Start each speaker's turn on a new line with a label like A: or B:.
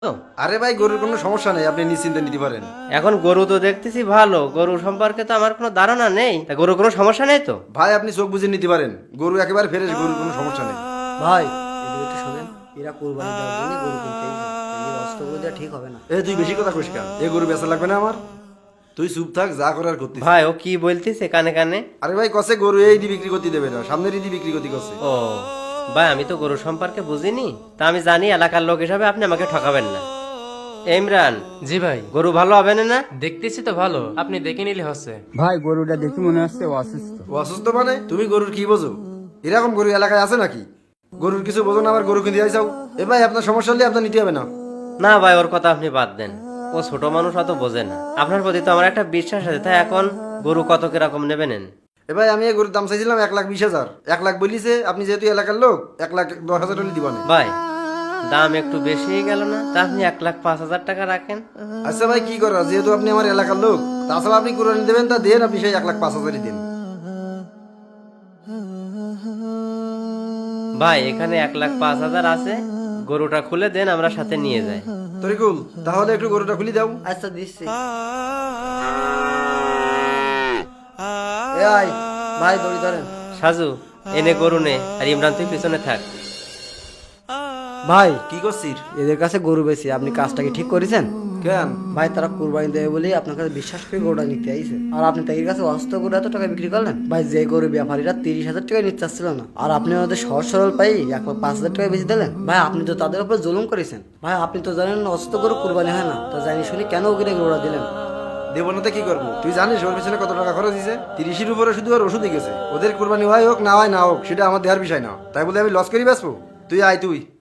A: তো
B: আরে ভাই গরুর কোনো সমস্যা নেই, আপনি নিশ্চিন্তে নিতে পারেন।
A: এখন গরু তো দেখতেছি ভালো, গরু সম্পর্কে তো আমার কোনো ধারণা নেই, তা গরু কোনো সমস্যা নেই তো?
B: ভাই আপনি চোখ বুঝে নিতে পারেন, গরু একেবারে ফ্রেশ, গরুর কোনো সমস্যা নেই।
C: ভাই এদিকে একটু শোনেন, এরা কোরবানি দেওয়ার জন্য গরু কিনতে এসেছে, এই অস্ত্রগুলো দেওয়া ঠিক হবে না।
B: তুই বেশি কথা কইস কেন? এ গরু বেচা লাগবে না আমার, তুই চুপ থাক, যা করার করতিস।
A: ভাই ও কি বলতেছে কানে কানে?
B: আরে ভাই কসে গরু এই দি বিক্রি করতে দেবে না, সামনের ঈদি বিক্রি করতে কসে।
A: ও ভাই, আমি তো গরু সম্পর্কে বুঝিনি, তা আমি জানি এলাকার লোক হিসাবে আপনি আমাকে ঠকাবেন না। ইমরান,
D: জি ভাই,
A: গরু ভালো হবে না?
D: দেখতেছি তো ভালো, আপনি দেখে নিলে হচ্ছে।
E: ভাই গরুটা দেখে মনে হচ্ছে ও অসুস্থ।
B: ও অসুস্থ মানে? তুমি গরুর কি বোঝো? এরকম গরু এলাকায় আছে নাকি? গরুর কিছু বোঝো না, আবার গরু কিনতে যাইছাও? এ ভাই আপনার সমস্যা হলে আপনার নিতে হবে না।
A: না ভাই, ওর কথা আপনি বাদ দেন, ও ছোট মানুষ, অত বোঝে না। আপনার প্রতি তো আমার একটা বিশ্বাস আছে, তাই এখন গরু কত কিরকম নেবেন?
B: এ ভাই আমি এই গরুর দাম চাইছিলাম 1,20,000। 1,00,000 বলিছে, আপনি যেহেতু এলাকার লোক 1,10,000 হলে দিবানে।
A: ভাই দাম একটু বেশি হয়ে গেল না? তা আপনি 1,05,000 টাকা রাখেন।
B: আচ্ছা ভাই কি করা, যেহেতু আপনি আমার এলাকার লোক, তাছাড়া আপনি কুরবানি দেবেন, তা দেন, আপনি সেই 1,05,000 দিন।
A: ভাই এখানে 1,05,000 আছে, গরুটা খুলে দেন, আমরা সাথে নিয়ে যাই।
B: তরিকুল, তাহলে একটু গরুটা খুলে দাও।
C: আচ্ছা দিচ্ছি। এ আই ভাই দড়ি ধরেন।
A: সাজু, এনে গরু নে, আর ইমরান তুই পিছনে থাক।
C: ভাই
B: কি করছিস?
C: এদের কাছে গরু বেশি, আপনি কাজটা কি ঠিক করেছেন?
B: কেন?
C: ভাই তারা কুরবানি দেবে বলেই আপনার কাছে বিশ্বাস করে গরুটা নিতে আইছে, আর আপনি তাদের কাছে অস্ত্র করে এত টাকা বিক্রি করলেন। ভাই যে গরু ব্যাপারীরা 30,000 টাকা নিতে চাচ্ছিল না, আর আপনি ওদের সহজ সরল পাই 1,05,000 টাকা বেশি দিলেন। ভাই আপনি তো তাদের উপর জুলুম করেছেন। ভাই আপনি তো জানেন না অস্ত্র গরু কুরবানি হয় না, তা জানি শুনি কেন ওকে গরুটা দিলেন?
B: দেবো না তো কি করবো? তুই জানিস ওর পিছনে কত টাকা খরচ দিয়েছে? 30-এর উপরে শুধু আর ওষুধই গেছে। ওদের কুরবানি হয় হোক না হয় না হোক, সেটা আমার দেওয়ার বিষয় না, তাই বলে আমি লস করি বেসবো? তুই আয় তুই।